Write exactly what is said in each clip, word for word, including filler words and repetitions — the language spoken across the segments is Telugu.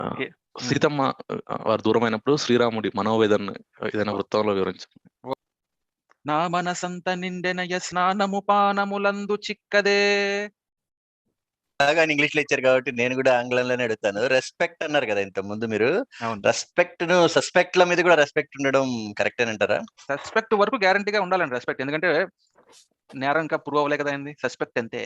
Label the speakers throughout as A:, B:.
A: ఆ,
B: ఓకే. హ్మ్.
A: సీతమ్మ ఆ, వారు దూరమైనప్పుడు శ్రీరాముడి మనోవేదన ఏదైనా వృత్తంలో వివరించండి.
B: నా మనసంత నిండెనయ స్నానము పానములందు చిక్కదే.
C: బాగా ఇంగ్లీష్ లో ఇచ్చారు కాబట్టి నేను కూడా ఆంగ్లంలోనే అడుగుతాను. రెస్పెక్ట్ అన్నారు కదా ఇంత ముందు మీరు.
B: అవును.
C: రెస్పెక్ట్ ను సస్పెక్ట్ ల మీద కూడా రెస్పెక్ట్ ఉండడం కరెక్ట్ అని అంటారా?
B: సస్పెక్ట్ వరకు గ్యారంటీగా ఉండాలండి రెస్పెక్ట్. ఎందుకంటే నేరం ఇంకా ప్రూవ్ అవ్వలే కదా అయింది. సస్పెక్ట్ అంతే.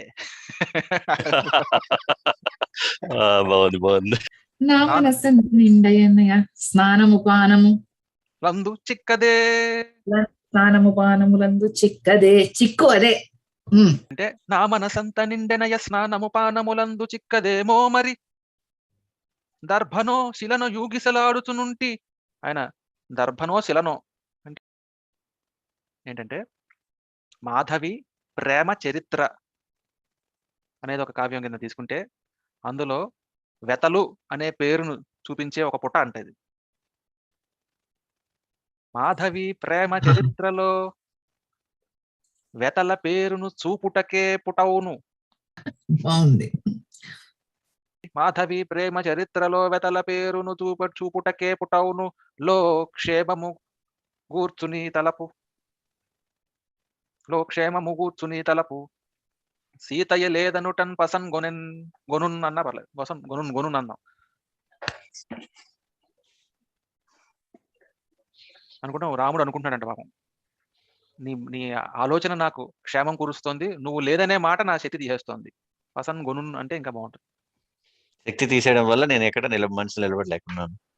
C: ఆ, బాగుంది బాగుంది.
D: నా
B: నా
D: మనస్సు నిండయ్యన్నయ్య స్నానము పానము
B: లందు చిక్కదే.
D: స్నానము పానములందు చిక్కదే చిక్కు అదే. ఉమ్.
B: అంటే నా మనసంత నిండెనయ స్నానము పానములందు చిక్కదేమో మరి దర్భనో శిలను యూగిసలాడుచునుంటి. ఆయన దర్భనో శిలనో అంటే ఏంటంటే మాధవి ప్రేమ చరిత్ర అనేది ఒక కావ్యం కింద తీసుకుంటే అందులో వెతలు అనే పేరును చూపించే ఒక పుట అంటది. మాధవి ప్రేమ చరిత్రలో వెతల పేరును చూపుటకే పుటవును.
D: బాగుంది.
B: మాధవి ప్రేమ చరిత్రలో వెతల పేరును చూప చూపుటకే పుటవును లో క్షేమము గూర్చుని తలపు లో క్షేమము గూర్చుని తలపు సీతయ్య లేదనుటన్ పసన్ గొనెన్ గొనున్ అన్నా పర్లేదు. వసన్ గొనున్ గొనున్ అన్నాం అనుకుంటాం. రాముడు అనుకుంటున్నాడంట పాపం, నీ నీ ఆలోచన నాకు క్షేమం కురుస్తోంది, నువ్వు లేదనే మాట నా శక్తి తీసేస్తోంది. పసన్ గొనున్ అంటే ఇంకా బాగుంటుంది.
C: శక్తి తీసేయడం వల్ల నేను ఎక్కడ నిలబ మనసు నిలబడలేకున్నాను.